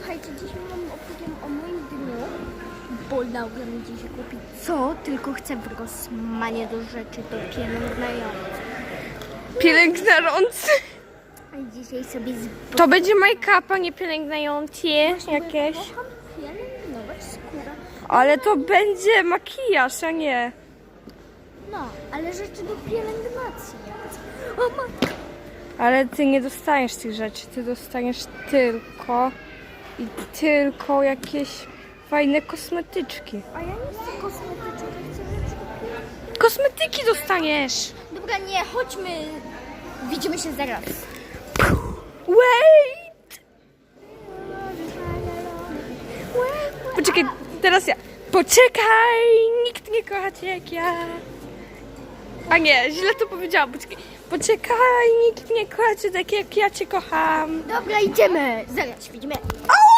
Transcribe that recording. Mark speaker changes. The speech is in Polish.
Speaker 1: Słuchajcie, dzisiaj opowiem o moim dniu, bo Laura mi dzisiaj kupi co tylko chce w Rossmanie do rzeczy, do pielęgnujących.
Speaker 2: Pielęgnujący.
Speaker 1: A dzisiaj sobie
Speaker 2: To będzie make-up, nie pielęgnujący jakieś.
Speaker 1: kocham pielęgnować skórę.
Speaker 2: Ale to będzie makijaż, a nie.
Speaker 1: No, ale rzeczy do pielęgnacji. O matko.
Speaker 2: Ale ty nie dostaniesz tych rzeczy, ty dostaniesz tylko jakieś fajne kosmetyczki.
Speaker 1: A ja nie chcę kosmetyczek, ja chcę rzeczy do pielęgnacji.
Speaker 2: Kosmetyki dostaniesz.
Speaker 1: Dobra, nie, chodźmy. Widzimy się zaraz.
Speaker 2: Wait! Poczekaj, teraz ja. Poczekaj! Nikt nie kocha cię jak ja. A nie, źle to powiedziałam. Poczekaj, nikt nie kocha cię tak jak ja cię kocham.
Speaker 1: Dobra, idziemy. Zaraz widzimy.
Speaker 2: Au!